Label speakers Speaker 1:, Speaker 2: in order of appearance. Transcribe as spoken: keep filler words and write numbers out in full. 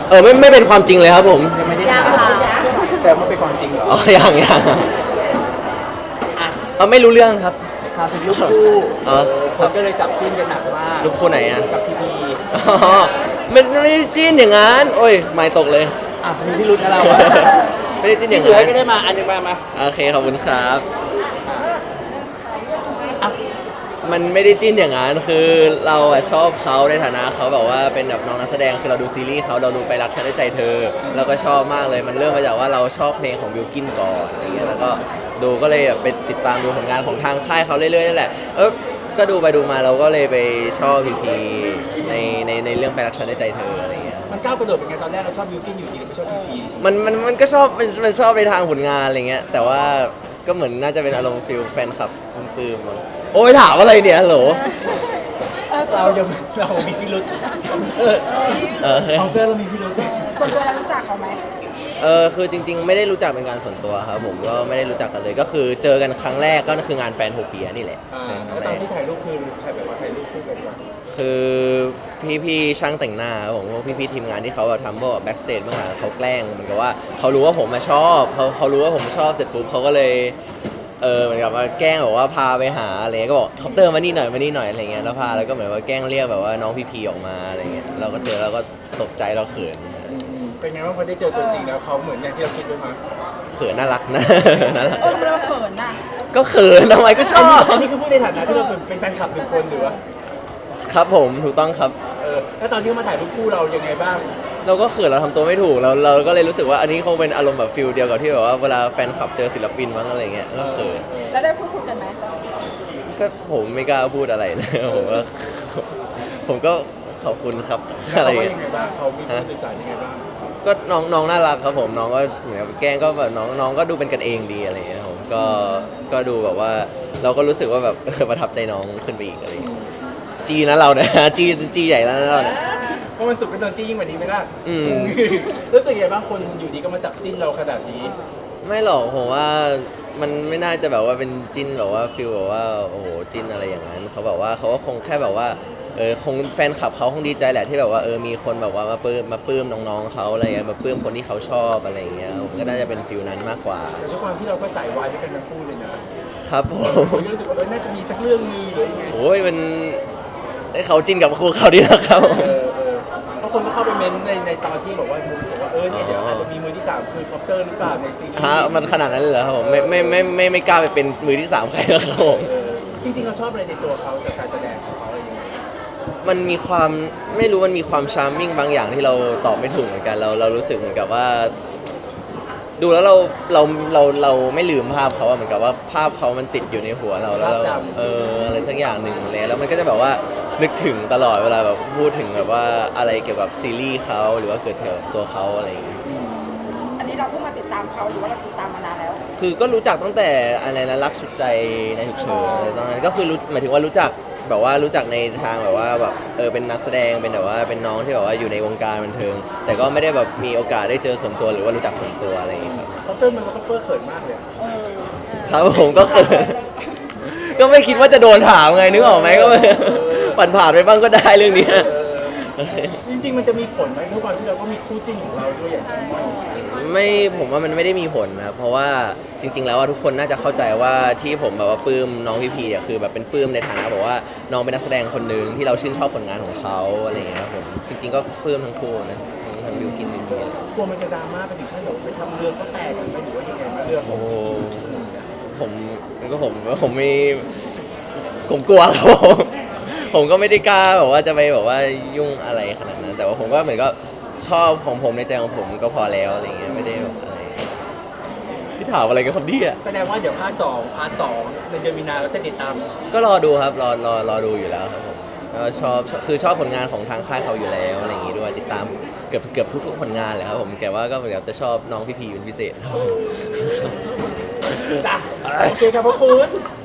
Speaker 1: เออไม่ไม่เป็นความจริงเลยครับผม
Speaker 2: ยังไม่ได้
Speaker 3: ยัง
Speaker 2: ถาม
Speaker 3: ค่ะ
Speaker 2: แต่มันเป็นความจริงเหรอ
Speaker 1: อ๋อยังยัง
Speaker 2: อ่ะ
Speaker 1: เออไม่รู้เรื่องครับ
Speaker 2: ถามถึงลูกคู่
Speaker 1: อ๋อ
Speaker 2: ค
Speaker 1: ครับ
Speaker 2: นก็เลยจับจิ้นกันหนักมาก
Speaker 1: ลูกคู่ไหนอะ
Speaker 2: กับพีพี
Speaker 1: อ๋อมันไม่ได้จิ้นอย่างนั้นโอ้ยไม่ตกเลย
Speaker 2: อ่ะมีพิรุธนะเราอะ
Speaker 1: ไม่ได้จิ้นอ
Speaker 2: พี่
Speaker 1: ย่าง
Speaker 2: เสือ
Speaker 1: นั้น
Speaker 2: ก็ได้มาอันหนึงมามา
Speaker 1: โอเคขอบคุณครับ
Speaker 2: อ่ะ
Speaker 1: มันไม่ได้จิ้นอย่างนั้นคือเราอะชอบเขาในฐานะเขาแบบว่าเป็นแบบน้องนักแสดงคือเราดูซีรีส์เขาเราดูไปรักฉันด้วยใจเธอเราก็ชอบมากเลยมันเริ่มมาจากว่าเราชอบเพลงของบิลกินก่อนอะไรเงี้ยแล้วก็ดูก็เลยแบบไปติดตามดูผลงานของทางค่ายเขาเรื่อยๆนั่นแหละเออก็ดูไปดูมาเราก็เลยไปชอบพีพีในในในเรื่องไปรักฉันด้วยใจเธออะไรเงี้ย
Speaker 2: มันก้าวกระโดดเป็นไงตอนแรกเราชอบยูกินอยู่ดีเราไม่ชอบพีพี
Speaker 1: มันมันมันก็ชอบมันมันชอบในทางผลงานอะไรเงี้ยแต่ว่าก็เหมือนน่าจะเป็นอารมณ์ฟิลแฟนคลับปลื้มๆมั้งโอ้ยถามอะไรเนี่ยฮัลโหล
Speaker 2: เรายังเรามีพิรุธเออ
Speaker 1: เออ
Speaker 2: ของเพื่อนเรามีพิรุธ
Speaker 3: ส่วนตัวเรารู้จักเขาไหม
Speaker 1: เออคือจริงๆ ไม่ได้รู้จักเป็นการส่วนตัวครับผมก็ไม่ได้รู้จักกันเลยก็คือเจอกันครั้งแรกก็คืองานแฟนโทเปียนี่แหละ
Speaker 2: อ่า
Speaker 1: เป็นครั้งแร
Speaker 2: แล้วตอก นที่ถ่ายรูปคือใครแบบว่าถ่ายรูปคู่กันก่อน
Speaker 1: คือพี่ๆช่างแต่งหน้าครับผมพวกพี่ๆทีมงานที่เขาแบบทำพวกแบ็กสเตจเบื้องหลังเขาแกล้งเหมือนกับว่าเขารู้ว่าผมมาชอบเขาเขารู้ว่าผมชอบเสร็จปุ๊บเขาก็เลยเออเหมือนกับว่าแกล้งแบบว่าพาไปหาอะไรเงี้ยก็บอกคอปเตอร์มานี่หน่อยมานี่หน่อยอะไรเงี้ยแล้วพาแล้วก็เหมือนว่าแกล้งเรียกแบบว่าน้องพี่พีออกมาอะไรเงี้ยเราก็เจอแล้วก็ตกใจเราเขิน
Speaker 2: อืมเป็นไงบ้างพอได้เจอตัวจริงแล้วเขาเหมือนอย่างที่เราคิดไว้ไหม
Speaker 1: เขินน่ารักนะ น่ารัก
Speaker 3: เออทำไมเราเขินอ่ะ
Speaker 1: ก็เขินทำไมก็ช
Speaker 2: อัน
Speaker 1: อ
Speaker 2: นี้
Speaker 1: บ
Speaker 2: อันนี้คือพูดในฐานะที่เราเป็นเป็นแฟนคลับหนึ่งคนหรือว่า
Speaker 1: ครับผมถูกต้องครับ
Speaker 2: เออแล้วตอนที่เขามาถ่ายรูปคู่เรายังไงบ้าง
Speaker 1: เราก็เขินเราทำตัวไม่ถูกเราเราก็เลยรู้สึกว่าอันนี้คงเป็นอารมณ์แบบฟิลเดียวกับที่แบบว่าเวลาแฟนคลับเจอศิลปินมั้งอะไรเงี้ยก็เขิน
Speaker 3: แล้วได้พูดคุยกันไหม
Speaker 1: ก็ผมไม่กล้าพูดอะไรเลย ผมก็ผมก็ขอบคุณครับ
Speaker 2: แล้ว
Speaker 1: อะไร
Speaker 2: เขาว่า
Speaker 1: เงี้ย
Speaker 2: ยังไงบ้างเขามีการสื่อสารยังไงบ้าง
Speaker 1: ก็น้องน้องน่ารักครับผมน้องก็เหมือนกับแกล้งก็แบบน้องน้องก็ดูเป็นกันเองดีอะไรเงี้ยผมก็ก็ดูแบบว่าเราก็รู้สึกว่าแบบ ประทับใจน้องขึ้นไปอีกอะไรเงี้ยจีนะเราเนี่ย จีจีใหญ่แล้วนะเราเนี่ย
Speaker 2: เพราะมันสุดเป็นตอนจี้ยิ่งกว่านี้ไหมล่ะ
Speaker 1: อืม
Speaker 2: รู้สึกยังไงบ้างคนอยู่ดีก็มาจับจิ้นเราขนาดนี้
Speaker 1: ไม่หรอกผมว่ามันไม่น่าจะแบบว่าเป็นจิ้นแบบว่าฟิลแบบว่าโอ้โหจิ้นอะไรอย่างนั้นเขาแบบว่าเขาก็คงแค่แบบว่าเออคงแฟนคลับเขาคงดีใจแหละที่แบบว่าเออมีคนแบบว่ามาปลื้มมาปลื้มน้องๆเขาอะไรเงี้ยมาปลื้มคนที่เขาชอบอะไรอย่างเงี้ยผมก็น่าจะเป็นฟิลนั้นมากกว่า
Speaker 2: แต่ด้วยความที่เราก็สายวายด้วยกันทั้งคู่เลยนะครับ
Speaker 1: ผ
Speaker 2: ผม มก็รู้สึกว่าเออน่าจะมีสักเรื่องนึงหรือยังไง
Speaker 1: โอ้ยมันให้เขาจิ้นกับครูเขาดีนะครับ
Speaker 2: เออเออเพราะคนก็เข้าไปเม้นต์ในในตอนที่บอกว่ามูรู้สึกว่าเออเนี่ยเดี๋ยวอาจจะมีมือที่สามคือคอปเตอร์หรือเปล่าในซีรีส์
Speaker 1: ฮะมันขนาดนั้นเลยเหรอครับผมไม่ไม่ไม่ไม่ไม่กล้าไปเป็นมือที่สามใครแล้วครับผม
Speaker 2: เออจริงๆเราชอบอะไรในตัวเขาจากการแสดงของเขาอะไรอย่างเงี้ย
Speaker 1: มันมีความไม่รู้มันมีความชาร์มมิ่งบางอย่างที่เราตอบไม่ถูกเหมือนกันเราเรารู้สึกเหมือนกับว่า ดูแล้วเราเราเราเราไม่ลืมภาพเขาอะเหมือนกับว่าภาพเขามันติดอยู่ในหัวเราแล้วเราเอออะไรสักอย่างหนึ่งเลยแล้วมันก็จะแบบว่านึกถึงตลอดเวลาแบบพูดถึงแบบว่าอะไรเกี่ยวกับซีรีส์เขาหรือว่าเกิดเกี่ยวกับตัวเขาอะไรอย่างเงี้ย
Speaker 3: อันนี้เราเพิ่งมาติดตามเขาหรือว่าเราติดตามมานานแล้ว
Speaker 1: คือก็รู้จักตั้งแต่อะไรนะรักชุดใจในฉุกเฉินอะไรตอนนั้นก็คือรู้หมายถึงว่ารู้จักแบบว่ารู้จักในทางแบบว่าแบบเออเป็นนักแสดงเป็นแบบว่าเป็นน้องที่แบบว่าอยู่ในวงการบันเทิง แต่ก็ไม่ได้แบบมีโอกาสได้เจอส่วนตัวหรือว่ารู้จักส่วนตัวอะไรอย่างเงี้ยครับ
Speaker 2: คอปเตอร์มันก็คอปเตอร์เขินมากเลยอะ
Speaker 1: ครับผมก็เขิน ก็ไม่คิดว่าจะโดนถามไงนึกออกไหมก็ไม่ผ่านผ่านๆไปบ้างก็ได้เรื่องนี้
Speaker 2: เออจริงๆมันจะมีผลไหมด้วยความที่เราก็มีคู่จิ้นของเราด้วยอย่างที่ว่า
Speaker 1: ไม่ผมว่ามันไม่ได้มีผลนะครับเพราะว่าจริง ๆ แล้วว่าทุกคนน่าจะเข้าใจว่าที่ผมแบบว่าปลื้มน้องพี่พีอ่ะคือแบบเป็นปลื้มในฐานะบอกว่าน้องเป็นนักแสดงคนหนึ่งที่เราชื่นชอบผลงานของเขาอะไรอย่างเงี้ยครับผมจริง ๆ ก็ปลื้มทั้งคู่นะทั้งทั้งบิวกินบิวกิน
Speaker 2: กลัวมันจะดราม่าไปถึงขั้นแบบไปทำเรือเขาแตกกันไหมหรือว่ายังไงมาเรือขอ
Speaker 1: โอ้
Speaker 2: ง
Speaker 1: ผมก็ผมผมไม่ผมกลัวครับผม ผมก็ไม่ได้กล้าแบบว่าจะไปแบบว่ายุ่งอะไรขนาดนั้นแต่ว่าผมก็เหมือนก็ชอบของผมในใจของผมก็พอแล้วอะไรเงี้ยไม่ได้แบบอะไรที่ถามอะไรกันครับเนี่ย
Speaker 2: แสดงว่าเดี๋ยวภาคสองพาร์ทสองในเดือนมีนาเราจะติดตาม
Speaker 1: ก็รอดูครับรอรอรอดูอยู่แล้วครับผมก็ชอบคือชอบผลงานของทางค่ายเขาอยู่แล้วอะไรอย่างงี้ด้วยติดตามเกือบเกือบทุกๆผลงานเลยครับผมแต่ว่าก็เหมือนกับจะชอบน้องพี่พีเป็นพิเศษครับ
Speaker 2: จ้ะโอเคครับพระคุณ